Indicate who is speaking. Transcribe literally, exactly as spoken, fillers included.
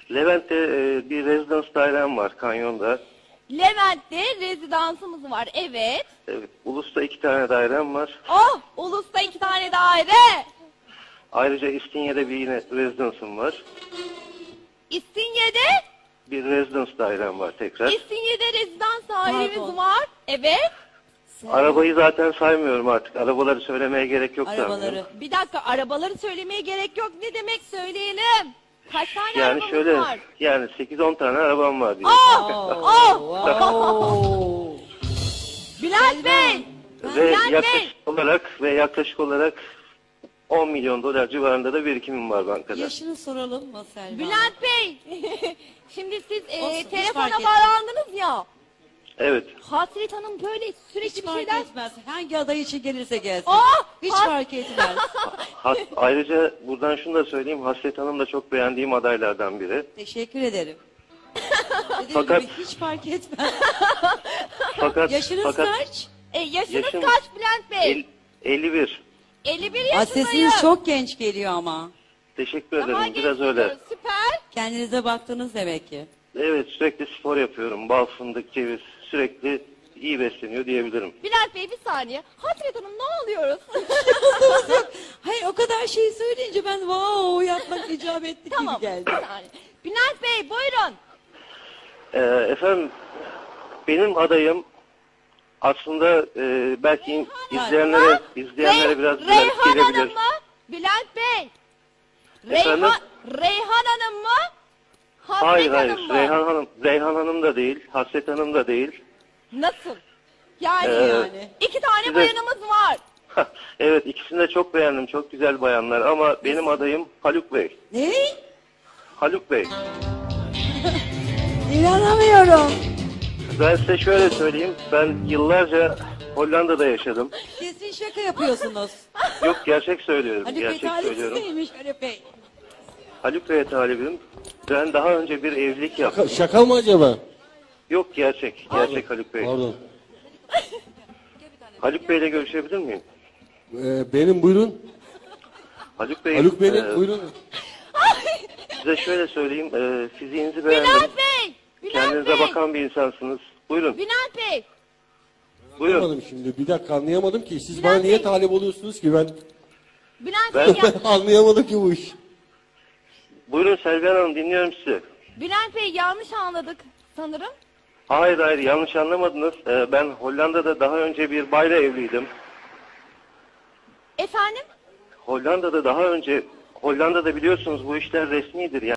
Speaker 1: Levent'te e, bir rezidans dairem var Kanyon'da.
Speaker 2: Levent'te rezidansımız var. Evet.
Speaker 1: Evet. Ulus'ta iki tane dairem var.
Speaker 2: Oh! Ulus'ta iki tane daire.
Speaker 1: Ayrıca İstinye'de bir yine rezidansım var.
Speaker 2: İstinye'de?
Speaker 1: Bir rezidans dairem var tekrar.
Speaker 2: İstinye'de rezidans dairemiz
Speaker 3: Pardon.
Speaker 2: var. Evet.
Speaker 1: Arabayı zaten saymıyorum artık. Arabaları söylemeye gerek yok
Speaker 3: Arabaları.
Speaker 1: sanmıyorum.
Speaker 2: Bir dakika, arabaları söylemeye gerek yok. Ne demek, söyleyelim. Kaç tane
Speaker 1: Yani
Speaker 2: arabamız
Speaker 1: şöyle,
Speaker 2: var?
Speaker 1: yani sekiz on tane arabam var diye.
Speaker 2: Oh! Oh!
Speaker 3: Wow.
Speaker 2: Bülent Bey!
Speaker 1: Ve
Speaker 2: Bülent Bey!
Speaker 1: yaklaşık olarak ve yaklaşık olarak on milyon dolar civarında da birikimim var bankada.
Speaker 3: Yaşını soralım mı Selma?
Speaker 2: Bülent Bey! Şimdi siz e,
Speaker 3: Olsun, hiç
Speaker 2: telefona
Speaker 3: fark
Speaker 2: bağlandınız ya.
Speaker 1: Evet.
Speaker 2: Hasret Hanım böyle sürekli
Speaker 3: Hiç
Speaker 2: bir
Speaker 3: fark
Speaker 2: şeyler...
Speaker 3: etmez. Hangi aday için gelirse gelsin.
Speaker 2: Oh!
Speaker 3: Hiç
Speaker 2: Has-
Speaker 3: fark etmez.
Speaker 1: Has, ayrıca buradan şunu da söyleyeyim. Hasret Hanım da çok beğendiğim adaylardan biri.
Speaker 3: Teşekkür ederim. Dediğim
Speaker 1: Fakat-
Speaker 3: gibi hiç fark etmez.
Speaker 1: Fakat
Speaker 3: Yaşınız
Speaker 1: fakat
Speaker 3: kaç?
Speaker 2: E, yaşınız
Speaker 1: Yaşım-
Speaker 2: kaç Bülent Bey?
Speaker 1: el- elli bir.
Speaker 2: elli bir
Speaker 3: Aa,
Speaker 2: yaşındayım.
Speaker 3: sesiniz çok genç geliyor ama.
Speaker 1: Teşekkür
Speaker 2: Daha
Speaker 1: ederim.
Speaker 2: genç
Speaker 1: Biraz öyle.
Speaker 2: geliyoruz, süper.
Speaker 3: Kendinize baktınız demek ki.
Speaker 1: Evet, sürekli spor yapıyorum. Bal, fındık, ceviz. Sürekli iyi besleniyor diyebilirim.
Speaker 2: Bülent Bey bir saniye. Hasret Hanım ne oluyoruz?
Speaker 3: Hayır, o kadar şey söyleyince ben wow yapmak icap etti
Speaker 2: Tamam
Speaker 3: gibi
Speaker 2: bir
Speaker 3: geldi.
Speaker 2: saniye. Bülent Bey buyurun.
Speaker 1: Ee, efendim, benim adayım aslında e, belki izleyenlere izleyenlere
Speaker 2: Rey-
Speaker 1: biraz garip
Speaker 2: Reyhan
Speaker 1: gelebilir.
Speaker 2: Hanım mı? Bülent Bey.
Speaker 1: Efendim?
Speaker 2: Reyhan, Reyhan Hanım mı? Hasret
Speaker 1: Hayır hayır,
Speaker 2: Hanım mı?
Speaker 1: Reyhan Hanım, Reyhan Hanım da değil, Hasret Hanım da değil.
Speaker 2: Nasıl? Yani,
Speaker 1: Ee,
Speaker 2: yani. iki tane
Speaker 1: size-
Speaker 2: bayanımız var.
Speaker 1: Evet, ikisini de çok beğendim, çok güzel bayanlar ama benim adayım Haluk Bey.
Speaker 3: Ne?
Speaker 1: Haluk Bey.
Speaker 3: İnanamıyorum.
Speaker 1: Ben size şöyle söyleyeyim, ben yıllarca Hollanda'da yaşadım.
Speaker 3: Kesin şaka yapıyorsunuz.
Speaker 1: Yok, gerçek söylüyorum,
Speaker 3: Haluk Bey
Speaker 1: gerçek söylüyorum.
Speaker 3: talihsizmiş Haluk Bey.
Speaker 1: Haluk Bey'e talibim. Ben daha önce bir evlilik yaptım.
Speaker 4: Şaka, şaka mı acaba?
Speaker 1: Yok, gerçek, gerçek Haluk Bey.
Speaker 4: Pardon.
Speaker 1: Haluk Bey'le görüşebilir miyim?
Speaker 4: Ee, benim buyurun.
Speaker 1: Haluk Bey,
Speaker 4: Haluk Bey'in
Speaker 1: e,
Speaker 4: buyurun.
Speaker 1: size şöyle söyleyeyim, e, fiziğinizi beğendim.
Speaker 2: Bülent Bey. Bülent
Speaker 1: Kendinize
Speaker 2: Bey.
Speaker 1: bakan bir insansınız. Buyurun,
Speaker 2: Bülent Bey.
Speaker 1: buyurun.
Speaker 4: Anlamadım şimdi. Bir dakika anlayamadım ki. Siz
Speaker 2: Bülent
Speaker 4: bana niye
Speaker 2: Bey.
Speaker 4: talip oluyorsunuz ki ben?
Speaker 2: Bülent
Speaker 1: Ben-
Speaker 2: Bey, ya,
Speaker 4: Anlayamadım ki bu iş.
Speaker 1: Buyurun Selvihan Hanım, dinliyorum sizi.
Speaker 2: Bülent Bey yanlış anladık sanırım.
Speaker 1: Hayır hayır, yanlış anlamadınız. E, ben Hollanda'da daha önce bir bayla evliydim.
Speaker 2: Efendim?
Speaker 1: Hollanda'da daha önce, Hollanda'da biliyorsunuz bu işler resmidir. Yani